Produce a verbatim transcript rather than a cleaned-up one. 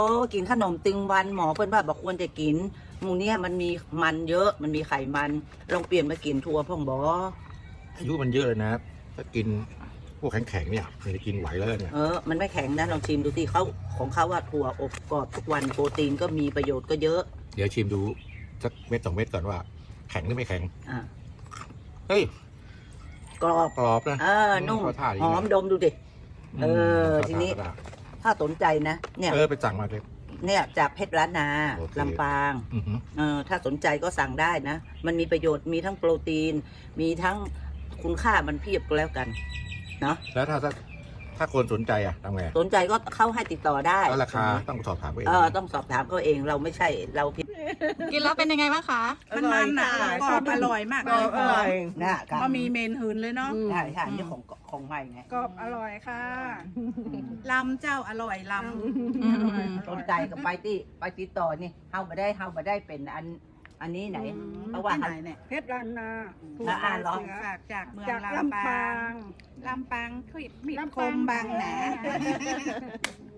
โอ้กินขนมตึงวันหมอเพื่อนว่าบอกควรจะกินหมูเนี่ยมันมีมันเยอะมันมีไขมันลองเปลี่ยนมากินถั่วพ่องบออายุมันเยอะเลยนะถ้ากินพวกแข็งๆเนี่ยมันจะกินไหวแล้วเนี่ยเออมันไม่แข็งนะลองชิมดูสิเขาของเขาว่าถั่วอบกรอบทุกวันโปรตีนก็มีประโยชน์ก็เยอะเดี๋ยวชิมดูสักเม็ดสองเม็ดก่อนว่าแข็งหรือไม่แข็งอ่าเฮ้ยกรอบกรอบนะเออนุ่มหอมดมดูดิเออทีนี้ถ้าสนใจนะเนี่ยเออไปสั่งมาเลยเนี่ยจากเพชรล้านนาลำปางเออถ้าสนใจก็สั่งได้นะมันมีประโยชน์มีทั้งโปรตีนมีทั้งคุณค่ามันเพียบก็แล้วกันเนาะแล้วถ้าถ้าคนสนใจอ่ะทำไงสนใจก็เข้าให้ติดต่อได้แล้วราคาต้องสอบถามเขาเองเออต้องสอบถามเขาเองเราไม่ใช่เราผิดกินแล้วเป็นยังไงบ้างคะมันมันหนากรอบอร่อยมากเลยอร่อยนะก็มีเมนหืนเลยเนาะใช่ใช่นี่ของของใหม่ไงกรอบอร่อยค่ะลำเจ้าอร่อยลำสนใจกับไปที่ไปติดต่อนี่เฮามาได้เฮามาได้เป็นอันอันนี้ไหนเพราะว่าไหนเนี่ยเพชรล้านนาละอ่านหรอจากจากเมืองลำปางลำปางคือมีคมบางแหน